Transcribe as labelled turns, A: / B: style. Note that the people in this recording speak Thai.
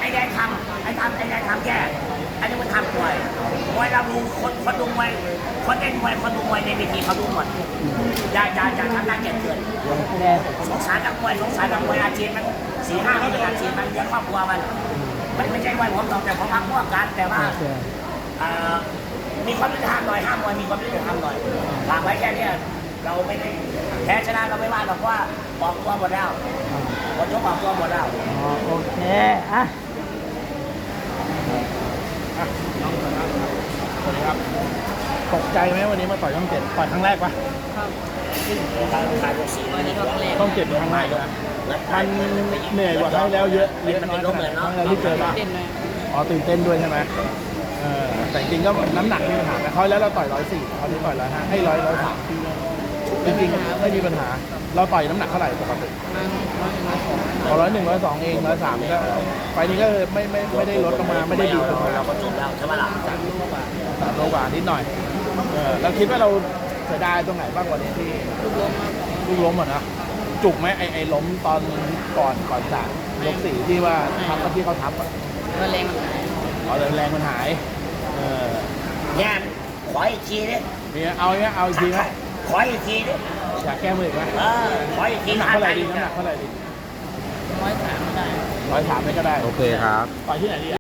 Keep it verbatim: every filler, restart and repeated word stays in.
A: อ้แดงทำไอ้ทำไอ้แดงทำแย่อันนี้มันทำมวยมวยเราดูคนคนดูมวยคนเล่นมวยคนดูมวยในเวทีเขาดูหมดอย่าอย่าอย่าทำหน้าเกลียดเกินสงสารนักมวยสงสารนักมวยอาชีพมันสี่ห้าปีอาชีพมันเลี้ยงครอบครัวมันมันไม่ใช่มวยผมหรอกแต่ผมพักพวกกันแต่ว่ามีความยุติธรรมหน่อยห้ามมวยมีความยุติธรรมหน่อยฝากไว้แค่นี้เราไม่ได้แพ้ชนะเราไม่ว่าหรอกว่าออกตัวหมดแล้วหมดยกออกตัวหมดแล้ว
B: โอเคอ่ะ
C: สวัสดีครับตกใจไหมวันนี้มาต่อยช่องเจ็ดต่อยครั้งแรกปะช่องเจ็ดเป็นครั้งแรกเลยมันเหนื่อยกว่าครั้งแล้วเยอะเยอะน้อยขนาดครั้งแล้วที่เจอปะอ๋อตื่นเต้นด้วยใช่ไหมเออแต่จริงก็น้ำหนักมีปัญหาแต่เขาแล้วเราต่อยร้อยสี่เขาที่ต่อยร้อยห้าให้ร้อยร้อยสามจริงๆไม่มีปัญหาเราต่อยน้ำหนักเท่าไหร่ปกติร้อยหนึ่งร้อยสองเองร้อยสามก็ไฟนี้ก็ไม่ไม่ไม่ได้ลดลงมาไม่ได้ดีขึ้นมา
A: เราก็จบแล้วใช่ไหมล่ะสามโลกว่า
C: สามโลกว่านิดหน่อยเออเราคิดว่าเราเสียดายตรงไหนบ้างกว่านี้ที่ลูกล้มลูกล้มอ่ะนะจุกไหมไอไอล้มตอนก่อนก่อนจากยกสี่ที่ว่าทับที่เขาทับอ่ะ
B: แรงมันหาย
C: อ๋อแรงมันหายเออ
A: เนี่ยขออีกทีดิ
C: เนี่ยเอาเนี่ยเอาอีกทีไหม
A: ขออีกทีดิ
C: อยากแก้มืออีกไหม
A: เออขออีกที
C: น้ำหนักเท่าไหร่ดีน้ำหนักเท่าไหร่ดี
B: ร้อยสามได้
C: ร้อยสามไม่ก็ได้
D: โอเคครับ
C: ต่อยที่ไหนดี